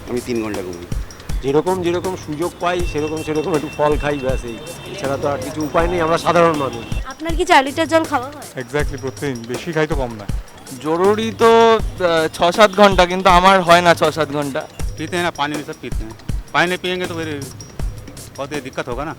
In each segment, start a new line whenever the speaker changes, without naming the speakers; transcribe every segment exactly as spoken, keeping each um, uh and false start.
আমি তিন ঘন্টা ঘুমাই।
যেরকম যেরকম সুযোগ পাই সেরকম সেরকম একটু ফল খাই, ব্যাস এই। এছাড়া তো আর কিছু উপায় নেই, আমরা সাধারণ মানুষ।
আপনার কি চার লিটার জল খাওয়া হয়?
এক্স্যাক্টলি প্রতিদিন, বেশি খাই তো কম না।
জরুরি তো ছ সাত ঘন্টা, কিন্তু আমার হয় না ছ সাত ঘন্টা।
पीते हैं ना, पानी भी सब पीते हैं। पानी नहीं पियेंगे तो फिर बहुत ही दिक्कत होगा ना।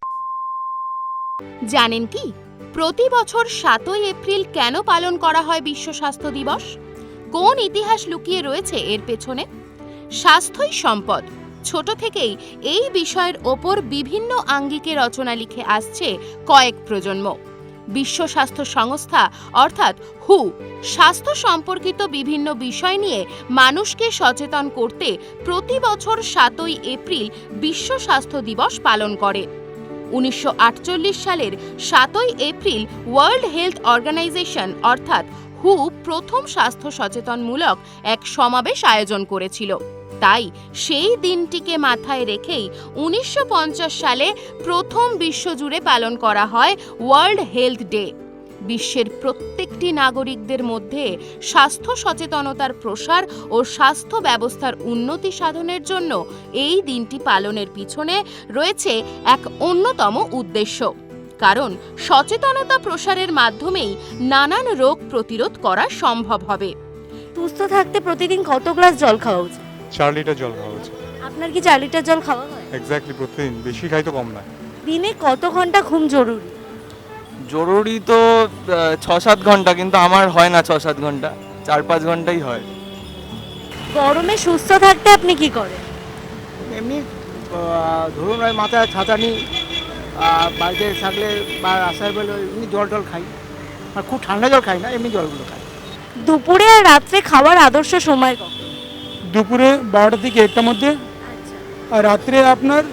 জানেন কি প্রতি বছর সাতই এপ্রিল কেন পালন করা হয় বিশ্ব স্বাস্থ্য দিবস? কোন ইতিহাস লুকিয়ে রয়েছে এর পেছনে? স্বাস্থ্যই সম্পদ। ছোট থেকেই এই বিষয়ের ওপর বিভিন্ন আঙ্গিকে রচনা লিখে আসছে কয়েক প্রজন্ম। বিশ্ব স্বাস্থ্য সংস্থা অর্থাৎ হু স্বাস্থ্য সম্পর্কিত বিভিন্ন বিষয় নিয়ে মানুষকে সচেতন করতে প্রতি বছর সাতই এপ্রিল বিশ্ব স্বাস্থ্য দিবস পালন করে। উনিশশো আটচল্লিশ সালের সাতই এপ্রিল ওয়ার্ল্ড হেলথ অর্গানাইজেশন অর্থাৎ হু প্রথম স্বাস্থ্য সচেতনমূলক এক সমাবেশ আয়োজন করেছিল। তাই সেই দিনটিকে মাথায় রেখেই উনিশশো পঞ্চাশ সালে প্রথম বিশ্বজুড়ে পালন করা হয় ওয়ার্ল্ড হেলথ ডে। বিশ্বের প্রত্যেকটি নাগরিকদের মধ্যে স্বাস্থ্য সচেতনতার প্রসার ও স্বাস্থ্য ব্যবস্থার উন্নতি সাধনের জন্য এই দিনটি পালনের পিছনে রয়েছে এক অন্যতম উদ্দেশ্য। কারণ সচেতনতা প্রসারের মাধ্যমেই নানান রোগ প্রতিরোধ করা সম্ভব হবে।
সুস্থ থাকতে প্রতিদিন কত গ্লাস জল খাওয়া উচিত?
চার লিটার জল খাওয়া উচিত।
আপনার কি চার লিটার জল খাওয়া হয়?
এক্স্যাক্টলি প্রতিদিন, বেশি খাই তো কম না।
দিনে কত ঘন্টা ঘুম জরুরি?
জরুরি তো ছ সাত ঘন্টা, কিন্তু আমার হয় না ছ সাত ঘন্টা, চার পাঁচ ঘন্টাই হয়।
গরমে সুস্থ থাকতে আপনি কি করেন?
এমনি ধরুন ওই মাথায় ছাতা নিই, বাড়িতে থাকলে বা রাস্তায় বেরোলে এমনি জল টল খাই। আর খুব ঠান্ডা জল খাই না, এমনি জলগুলো খাই।
দুপুরে আর রাত্রে খাওয়ার আদর্শ সময় কখন?
দুপুরে বারোটা থেকে একটার মধ্যে, আর রাত্রে আপনার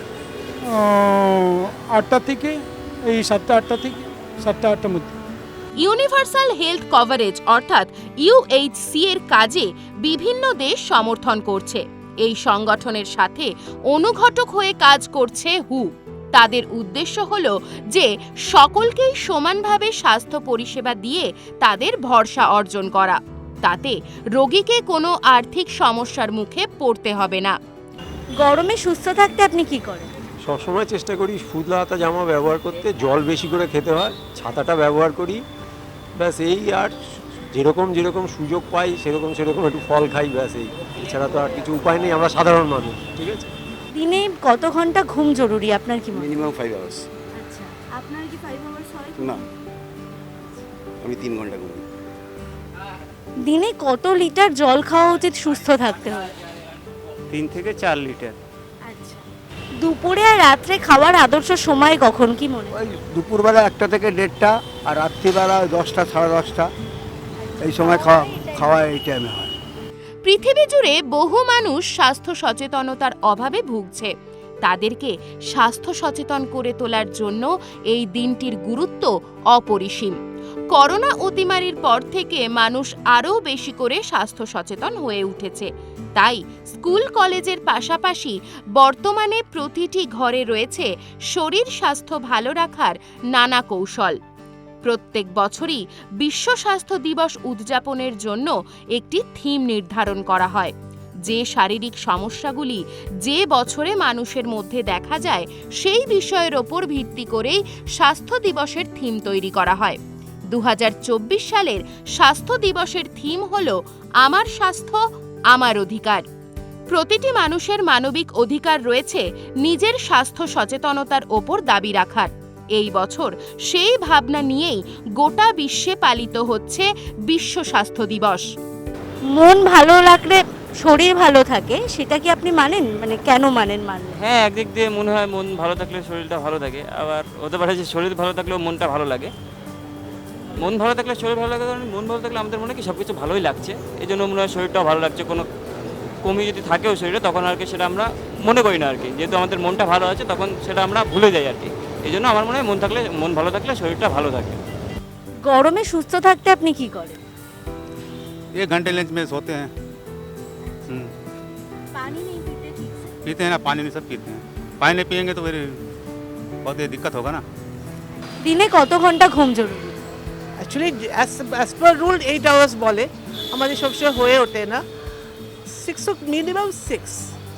আটটা থেকে এই সাতটা আটটা থেকে সাতটা আটটার মধ্যে।
ইউনিভার্সাল হেলথ কভারেজ অর্থাৎ ইউএইচসি এর কাজে বিভিন্ন দেশ সমর্থন করছে। এই সংগঠনের সাথে অনুঘটক হয়ে কাজ করছে হু। তাদের উদ্দেশ্য হল যে সকলকেই সমানভাবে স্বাস্থ্য পরিষেবা দিয়ে তাদের ভরসা অর্জন করা, তাতে রোগীকে কোনো আর্থিক সমস্যার মুখে পড়তে হবে না।
গরমে সুস্থ থাকতে আপনি কি করেন?
সবসময় চেষ্টা করি সুতলা হাতা জামা ব্যবহার করতে, জল বেশি করে খেতে হয়, ছাতাটা ব্যবহার করি, ব্যাস এই। আর যেরকম যেরকম সুযোগ পাই সেরকম সেরকম একটু ফল খাই, ব্যাস এই। এছাড়া তো আর কিছু উপায় নেই, আমরা সাধারণ মানুষ। ঠিক আছে।
দিনে কত ঘন্টা ঘুম জরুরি আপনার কি মনে হয়?
Minimum five hours.
আচ্ছা, আপনার কি ফাইভ আওয়ার্স হয়?
না, আমি তিন ঘন্টা ঘুমাই।
দিনে কত লিটার জল খাওয়া উচিত সুস্থ থাকতে হয়?
तीन থেকে চার লিটার।
আচ্ছা, দুপুরে আর রাত্রে খাওয়ার আদর্শ সময় কখন কি মনে হয়?
ওই দুপুরবেলা একটা থেকে দেড়টা, আর রাত্রিবেলা দশটা সাড়ে দশটা, এই সময় খাওয়া খাওয়া এই টাইমে হয়।
পৃথিবী জুড়ে বহু মানুষ স্বাস্থ্য সচেতনতার অভাবে ভুগছে। তাদেরকে স্বাস্থ্য সচেতন করে তোলার জন্য এই দিনটির গুরুত্ব অপরিসীম। করোনা অতিমারির পর থেকে মানুষ আরও বেশি করে স্বাস্থ্য সচেতন হয়ে উঠেছে। তাই স্কুল কলেজের পাশাপাশি বর্তমানে প্রতিটি ঘরে রয়েছে শরীর স্বাস্থ্য ভালো রাখার নানা কৌশল। প্রত্যেক বছরই বিশ্ব স্বাস্থ্য দিবস উদযাপনের জন্য একটি থিম নির্ধারণ করা হয়। যে শারীরিক সমস্যাগুলি যে বছরে মানুষের মধ্যে দেখা যায় সেই বিষয়ের ওপর ভিত্তি করেই স্বাস্থ্য দিবসের থিম তৈরি করা হয়। দু হাজার চব্বিশ সালের স্বাস্থ্য দিবসের থিম হল আমার স্বাস্থ্য আমার অধিকার। প্রতিটি মানুষের মানবিক অধিকার রয়েছে নিজের স্বাস্থ্য সচেতনতার ওপর দাবি রাখার। এই বছর সেই ভাবনা নিয়েই গোটা বিশ্বে পালিত হচ্ছে বিশ্ব স্বাস্থ্য দিবস।
মন ভালো লাগলে শরীর ভালো থাকে, সেটা কি আপনি মানেন? মানে কেন মানেন? মানেন?
হ্যাঁ, একদিক দিয়ে মনে হয় মন ভালো থাকলে শরীরটা ভালো থাকে, আবার হতে পারে যে শরীর ভালো থাকলেও মনটা ভালো লাগে। মন ভালো থাকলে শরীর ভালো লাগে, কারণ মন ভালো থাকলে আমাদের মনে কি সব কিছু ভালোই লাগছে, এই জন্য মনে হয় শরীরটাও ভালো লাগছে। কোনো কমি যদি থাকেও শরীরে তখন আর কি সেটা আমরা মনে করি না আর কি, যেহেতু আমাদের মনটা ভালো আছে তখন সেটা আমরা ভুলে যাই আর কি। এই জন্য আমার মনে হয় মন থাকলে মন ভালো থাকলে শরীরটা ভালো থাকে।
গরমে সুস্থ থাকতে আপনি কি করেন?
एक घंटे लंच में सोते हैं। हम्म,
पानी नहीं पीते ठीक से?
पीते हैं ना, पानी नहीं सब पीते हैं। पानी नहीं पियेंगे तो फिर बहुत ही दिक्कत होगा ना।
দিনে কত ঘন্টা ঘুম জরুরি?
Actually as per rule eight hours বলে, আমাদের সবসময় হয়ে ওঠে না। সিক্স মিনিমাম সিক্স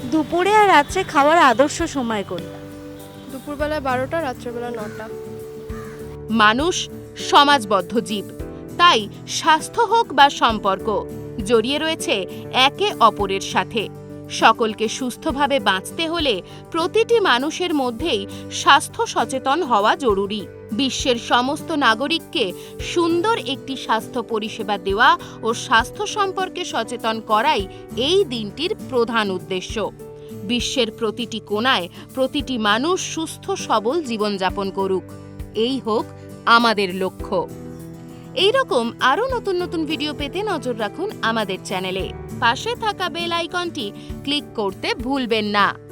দুপুরে আর রাত্রে খাওয়ার আদর্শ সময় কোনটা?
দুপুরবেলায় বারোটা, রাত্রেবেলা নটা।
মানুষ সমাজবদ্ধ জীব, তাই স্বাস্থ্য হোক বা সম্পর্ক জড়িয়ে রয়েছে একে অপরের সাথে। সকলকে সুস্থভাবে বাঁচতে হলে প্রতিটি মানুষের মধ্যেই স্বাস্থ্য সচেতন হওয়া জরুরি। বিশ্বের সমস্ত নাগরিককে সুন্দর একটি স্বাস্থ্য পরিষেবা দেওয়া ও স্বাস্থ্য সম্পর্কে সচেতন করাই এই দিনটির প্রধান উদ্দেশ্য। বিশ্বের প্রতিটি কোণায় প্রতিটি মানুষ সুস্থ সবল জীবনযাপন করুক, এই হোক আমাদের লক্ষ্য। এই রকম আরও নতুন নতুন ভিডিও পেতে নজর রাখুন আমাদের চ্যানেলে। পাশে থাকা বেল আইকনটি ক্লিক করতে ভুলবেন না।